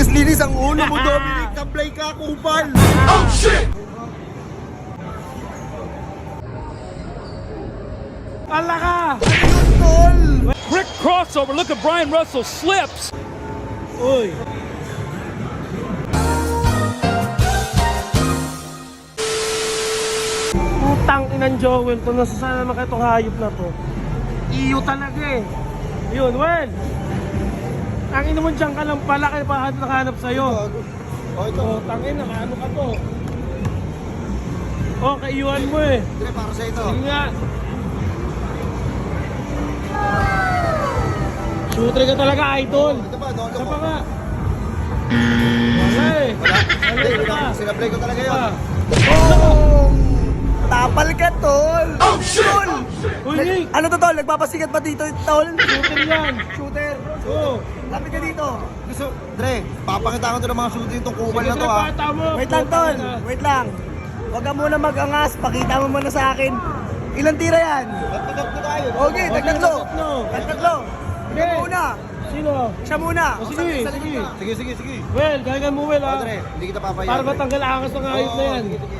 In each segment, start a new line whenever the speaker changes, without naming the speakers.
Linis-linis ang ulo mo, Dominic. Tablay ka, kupal. Oh, shit!
Ala ka!
Ayun, tol!
Quick crossover. Look at Brian Russell slips.
Uy! Putang inang Joel to. Nasasana naman kayo itong hayop na to. Iyo talaga eh. Yun, well. Ang ino mo dyan ka lang pala kayo pa nakahanap sa'yo.
Oh, ito.
Oh, tangin na, ano ka to? Oh, kaiyuan mo eh.
Dire, para sa ito.
Sige nga. Shooter ka talaga, idol.
Ito ba, doon
Isa
ko.
pa nga. Wala eh.
Hindi,
Wala pa.
sinablay ko talaga yun.
Ah.
Oh! Tapal ka, tol! Oh, shit!
Uy, Nick!
Ano to, tol? Nagpapasikat ba dito, tol?
Shooter yan.
Shooter!
Oo.
Lapit ka dito. Gusto, Dre, papakita ko to ng mga shooter itong kupal na
Sige,
to, ha?
pata mo.
Wait lang, tol. Wait lang. Huwag ka muna mag-angas. Pakita mo muna sa akin. Ilang tira yan? Tatlo tayo. Okay, tagtatlo. Tagtatlo.
Okay.
Ikaw muna.
Sino?
Siya muna.
O, sige,
Sa likod
sige.
ka. Sige.
Well, gagan mo, Well,
Oh,
ha?
Dre, hindi kita papayaan.
Para
Dre.
matanggal angas ng hayop na yan.
Sige.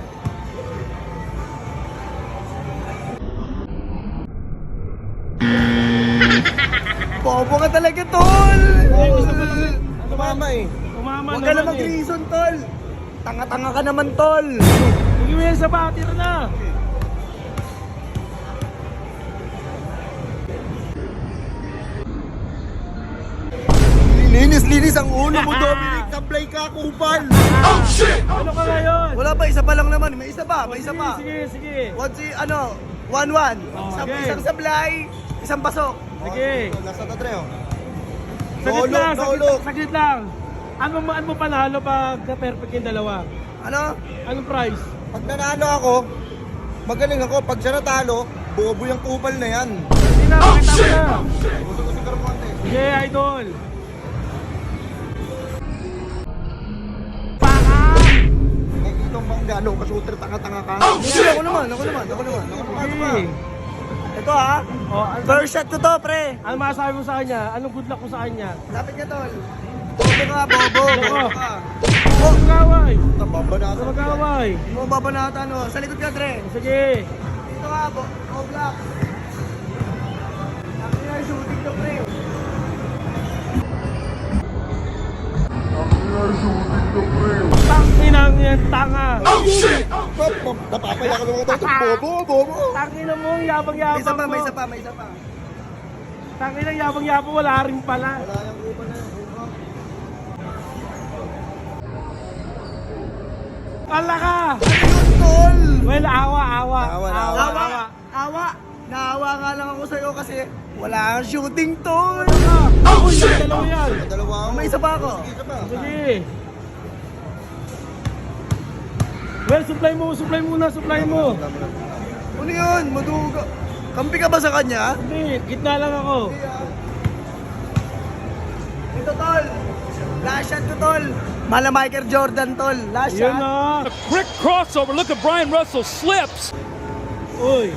Bobo ka talaga, tol!
Ay, gusto mo naman.
Tumama eh.
Umama
Huwag ka na
naman eh.
mag-reason, tol. Tanga-tanga ka naman, tol.
Sige, Well, sa batir na.
Linis-linis ang ulo mo, Dominic. Tablay ka, kupal. Oh, shit!
Ano ka ngayon?
Wala pa, isa pa lang naman. May isa pa, may isa
Sige,
pa.
sige.
What's the, ano, 1-1.
Okay.
Isang sablay, isang pasok.
Sige.
Nasa Dre, oh.
Saglit lang,
Naulog.
saglit lang. Ano mo panalo pag na-perfect yung dalawa?
Ano?
Anong price?
Pag nanalo ako, magaling ako. Pag siya natalo, bobo yung kupal na yan.
Hindi na, pakita mo na.
Gusto ko siguro konti.
Sige, idol. Paka!
Nakikita mo bang gano'n ka-shooter, tanga-tanga ka? Hindi, ako naman.
Sige.
Ito ha,
Oh,
first shot ko to, pre.
ano masasabi mo sa kanya? Anong good luck ko sa kanya?
Lapit ka, tol. Bobo ka, bobo.
Bobo.
ka.
Oh, mag-away!
Baba na
Ano mag-away?
Mo babanatan, oh. Sa likod ka, Dre.
Sige.
Dito ka, black. Ako na shooting to, pre.
Tanginang yan, tanga.
Oh, shit! Napapaya ka naman ito. Bobo.
Tanginang mo,
May
yabang-yabang
isa pa,
mo.
may isa pa.
Tanginang yabang-yabang, wala rin pala.
Wala yung upa na yun.
Ala ka!
Ayun, tol!
Well, awa.
Awa. Naawa nga lang ako sa'yo kasi wala kang shooting, tol.
Ako yung dalawa yan.
Dalawa ako. May isa pa ako.
Sige. Well, supply mo.
Ano yun? Maduga. Kampi ka ba sa kanya?
Hindi, gitna lang ako.
Ito, tol. Last shot ko, tol. Mala Michael Jordan, tol. Last
Yun
shot.
na.
A quick crossover. Look at Brian Russell slips.
Uy.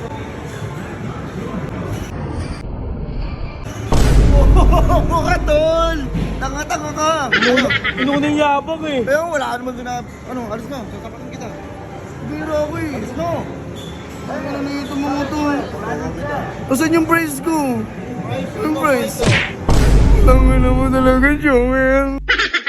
Bobo ka, tol. Tanga-tanga ka.
Inuning yabang eh.
Kaya wala naman doon na, alis na. Tatapakin kita. Biro ako eh. Alis na. Ay, ano na ito mga to? Asan yung prize ko? Yung prize? Tanga na mo talaga, Joel.